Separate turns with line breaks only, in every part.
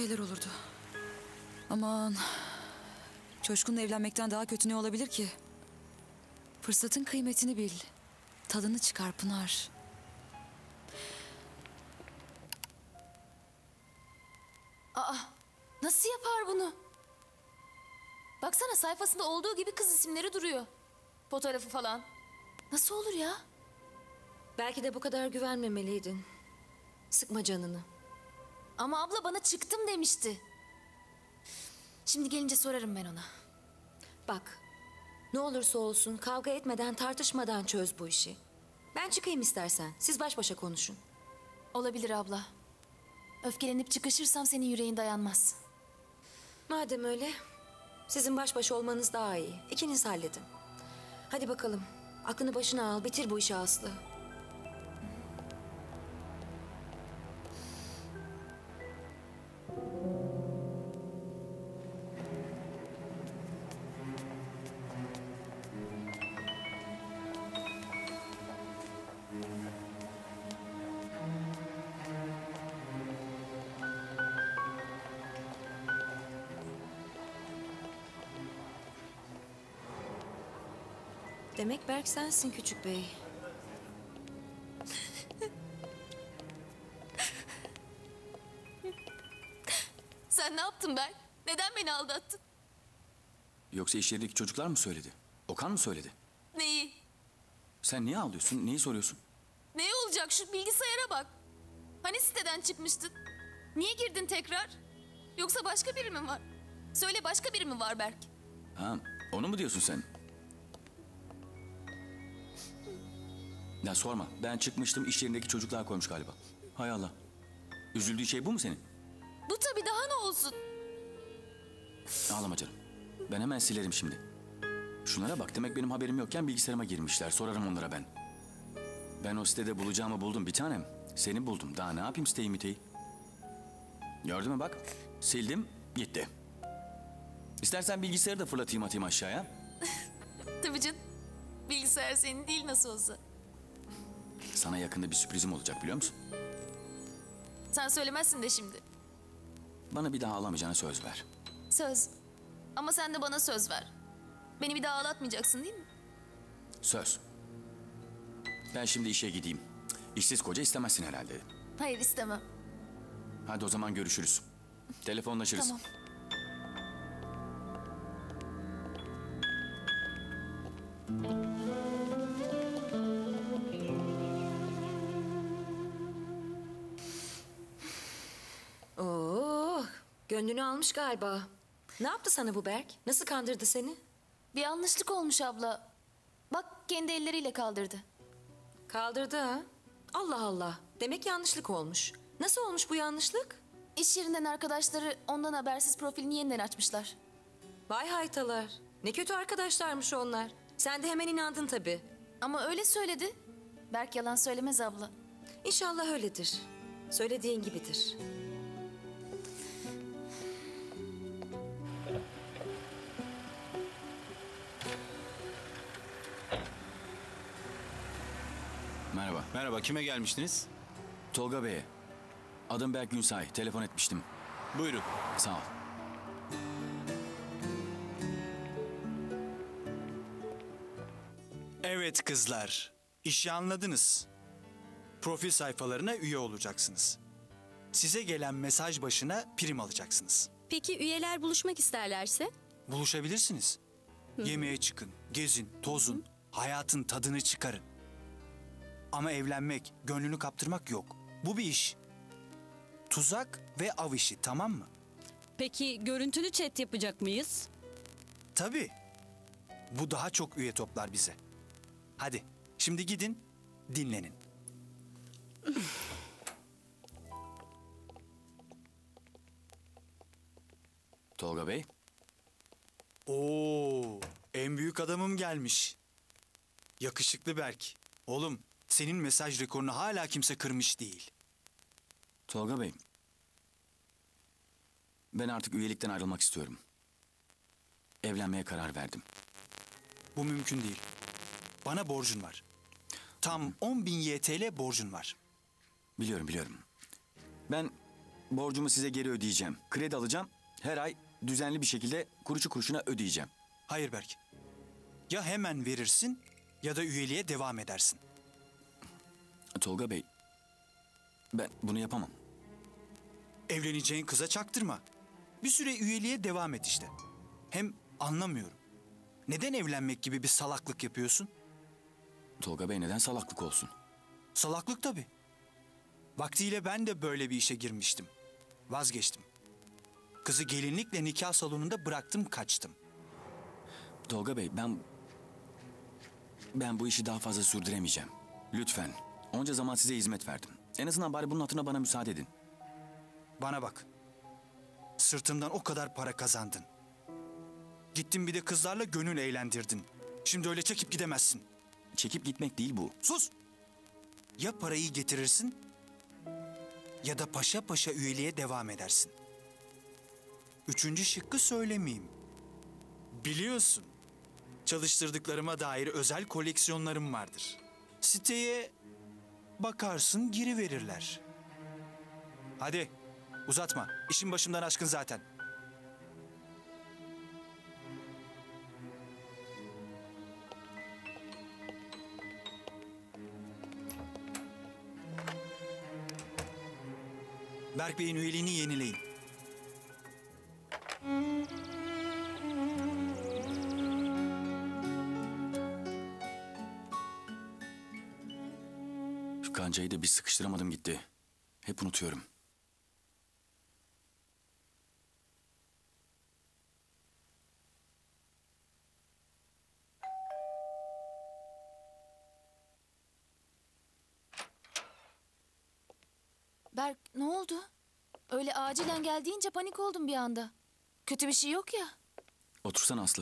şeyler olurdu. Aman, Coşkun'la evlenmekten daha kötü ne olabilir ki? Fırsatın kıymetini bil. Tadını çıkar Pınar.
Aa, nasıl yapar bunu? Baksana sayfasında olduğu gibi kız isimleri duruyor. Fotoğrafı falan. Nasıl olur ya?
Belki de bu kadar güvenmemeliydin. Sıkma canını.
Ama abla bana çıktım demişti. Şimdi gelince sorarım ben ona.
Bak, ne olursa olsun kavga etmeden tartışmadan çöz bu işi. Ben çıkayım istersen. Siz baş başa konuşun.
Olabilir abla. Öfkelenip çıkışırsam senin yüreğin dayanmaz.
Madem öyle, sizin baş başa olmanız daha iyi. İkiniz halledin. Hadi bakalım. Aklını başına al, bitir bu işi Aslı. Demek Berk sensin küçük bey.
Sen ne yaptın ben? Neden beni aldattın?
Yoksa iş yerindeki çocuklar mı söyledi? Okan mı söyledi?
Neyi?
Sen niye ağlıyorsun? Neyi soruyorsun?
Ne olacak şu bilgisayara bak. Hani siteden çıkmıştın? Niye girdin tekrar? Yoksa başka biri mi var? Söyle başka biri mi var Berk?
Ha, onu mu diyorsun sen? Ya sorma. Ben çıkmıştım, iş yerindeki çocuklar koymuş galiba. Hay Allah. Üzüldüğü şey bu mu senin?
Bu tabii daha ne olsun?
Ağlama canım. Ben hemen silerim şimdi. Şunlara bak. Demek benim haberim yokken bilgisayarıma girmişler. Sorarım onlara ben. Ben o sitede bulacağımı buldum bir tanem. Seni buldum. Daha ne yapayım siteyi miteyi? Gördün mü bak. Sildim, gitti. İstersen bilgisayarı da fırlatayım atayım aşağıya.
Tabii canım. Bilgisayar senin değil nasıl olsa.
Sana yakında bir sürprizim olacak biliyor musun?
Sen söylemezsin de şimdi.
Bana bir daha ağlamayacağına söz ver.
Söz. Ama sen de bana söz ver. Beni bir daha ağlatmayacaksın değil mi?
Söz. Ben şimdi işe gideyim. İşsiz koca istemezsin herhalde.
Hayır istemem.
Hadi o zaman görüşürüz. Telefonlaşırız.
Tamam.
Oo, gönlünü almış galiba. Ne yaptı sana bu Berk? Nasıl kandırdı seni?
Bir yanlışlık olmuş abla. Bak kendi elleriyle kaldırdı.
Kaldırdı ha? Allah Allah. Demek yanlışlık olmuş. Nasıl olmuş bu yanlışlık?
İş yerinden arkadaşları ondan habersiz profilini yeniden açmışlar.
Vay haytalar. Ne kötü arkadaşlarmış onlar. Sen de hemen inandın tabii.
Ama öyle söyledi. Berk yalan söylemez abla.
İnşallah öyledir. Söylediğin gibidir.
Merhaba.
Merhaba, kime gelmiştiniz?
Tolga Bey'e. Adım Berk Günsay. Telefon etmiştim.
Buyurun.
Sağ ol.
Evet kızlar, işi anladınız. Profil sayfalarına üye olacaksınız. Size gelen mesaj başına prim alacaksınız.
Peki üyeler buluşmak isterlerse?
Buluşabilirsiniz. Yemeğe çıkın, gezin, tozun, hayatın tadını çıkarın. Ama evlenmek, gönlünü kaptırmak yok. Bu bir iş. Tuzak ve av işi, tamam mı?
Peki görüntülü chat yapacak mıyız?
Tabii. Bu daha çok üye toplar bize. Hadi, şimdi gidin, dinlenin.
Tolga Bey.
Oo, en büyük adamım gelmiş. Yakışıklı Berk. Oğlum, senin mesaj rekorunu hala kimse kırmış değil.
Tolga Bey. Ben artık üyelikten ayrılmak istiyorum. Evlenmeye karar verdim.
Bu mümkün değil. Bana borcun var. Tam 10.000 YTL borcun var.
Biliyorum. Ben borcumu size geri ödeyeceğim. Kredi alacağım. Her ay düzenli bir şekilde kuruşu kuruşuna ödeyeceğim.
Hayır Berk. Ya hemen verirsin ya da üyeliğe devam edersin.
Tolga Bey, ben bunu yapamam.
Evleneceğin kıza çaktırma. Bir süre üyeliğe devam et işte. Hem anlamıyorum. Neden evlenmek gibi bir salaklık yapıyorsun?
Tolga Bey, neden salaklık olsun?
Salaklık tabii. Vaktiyle ben de böyle bir işe girmiştim. Vazgeçtim. Kızı gelinlikle nikah salonunda bıraktım, kaçtım.
Tolga Bey, ben bu işi daha fazla sürdüremeyeceğim. Lütfen. Onca zaman size hizmet verdim. En azından bari bunun hatırına bana müsaade edin.
Bana bak. Sırtımdan o kadar para kazandın. Gittin bir de kızlarla gönül eğlendirdin. Şimdi öyle çekip gidemezsin.
Çekip gitmek değil bu.
Sus! Ya parayı getirirsin ya da paşa paşa üyeliğe devam edersin. Üçüncü şıkkı söylemeyeyim. Biliyorsun, çalıştırdıklarıma dair özel koleksiyonlarım vardır. Siteye bakarsın, giri verirler. Hadi uzatma, işin başımdan aşkın zaten. Berk Bey'in üyeliğini yenileyin.
Şu kancayı da bir sıkıştıramadım gitti. Hep unutuyorum.
Berk ne oldu? Öyle acilen gel deyince panik oldum bir anda. Kötü bir şey yok ya.
Otursana Aslı.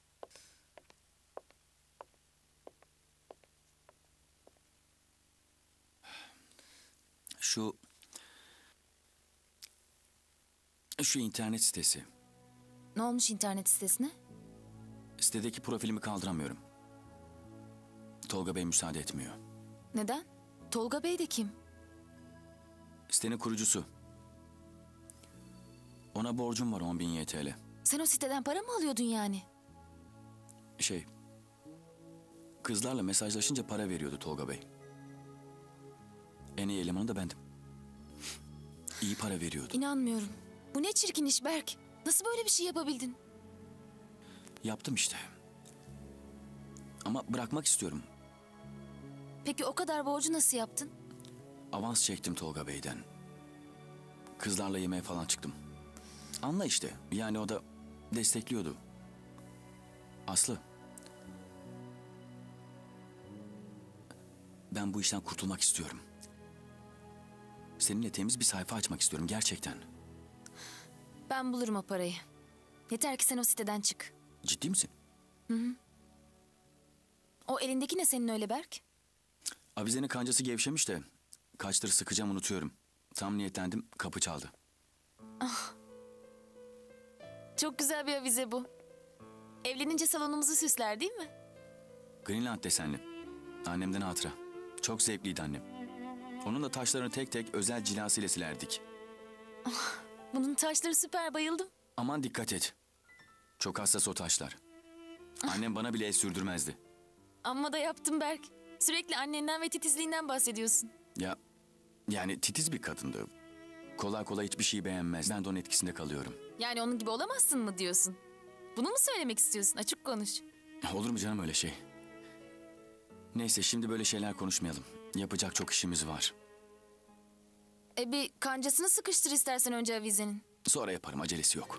Şu internet sitesi.
Ne olmuş internet sitesine?
Sitedeki profilimi kaldıramıyorum. Tolga Bey müsaade etmiyor.
Neden? Tolga Bey de kim?
Sitenin kurucusu. Ona borcum var 10.000 YTL.
Sen o siteden para mı alıyordun yani?
Kızlarla mesajlaşınca para veriyordu Tolga Bey. En iyi elemanı da bendim. İyi para veriyordu.
İnanmıyorum. Bu ne çirkin iş Berk. Nasıl böyle bir şey yapabildin?
Yaptım işte. Ama bırakmak istiyorum.
Peki o kadar borcu nasıl yaptın?
Avans çektim Tolga Bey'den. Kızlarla yemeğe falan çıktım. Anla işte. Yani o da destekliyordu. Aslı. Ben bu işten kurtulmak istiyorum. Seninle temiz bir sayfa açmak istiyorum gerçekten.
Ben bulurum o parayı. Yeter ki sen o siteden çık.
Ciddi misin?
O elindeki ne senin öyle Berk?
Avizenin kancası gevşemiş de kaçtır sıkacağım unutuyorum. Tam niyetlendim, kapı çaldı.
Çok güzel bir avize bu. Evlenince salonumuzu süsler değil mi?
Greenland desenli. Annemden hatıra. Çok zevkliydi annem. Onun da taşlarını tek tek özel cilasıyla silerdik.
Bunun taşları süper, bayıldım.
Aman dikkat et. Çok hassas o taşlar. Annem bana bile el sürdürmezdi.
Amma da yaptım Berk. Sürekli annenden ve titizliğinden bahsediyorsun.
Yani titiz bir kadındı. Kolay kolay hiçbir şeyi beğenmez. Ben de onun etkisinde kalıyorum.
Yani onun gibi olamazsın mı diyorsun? Bunu mu söylemek istiyorsun? Açık konuş.
Olur mu canım öyle şey? Neyse şimdi böyle şeyler konuşmayalım. Yapacak çok işimiz var.
Bir kancasını sıkıştır istersen önce avizenin.
Sonra yaparım, acelesi yok.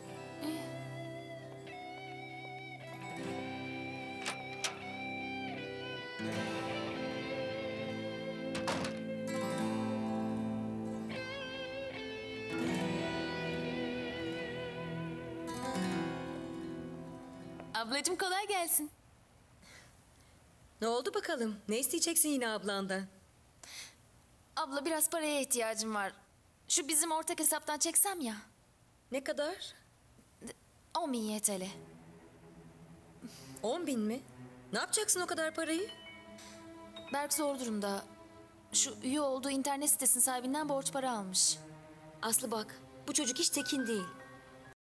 Ablacığım kolay gelsin.
Ne oldu bakalım? Ne isteyeceksin yine ablandan?
Abla biraz paraya ihtiyacım var. Şu bizim ortak hesaptan çeksem ya.
Ne kadar?
10.000 YTL.
10.000 mi? Ne yapacaksın o kadar parayı?
Berk zor durumda. Şu üye olduğu internet sitesinin sahibinden borç para almış.
Aslı bak, bu çocuk hiç tekin değil.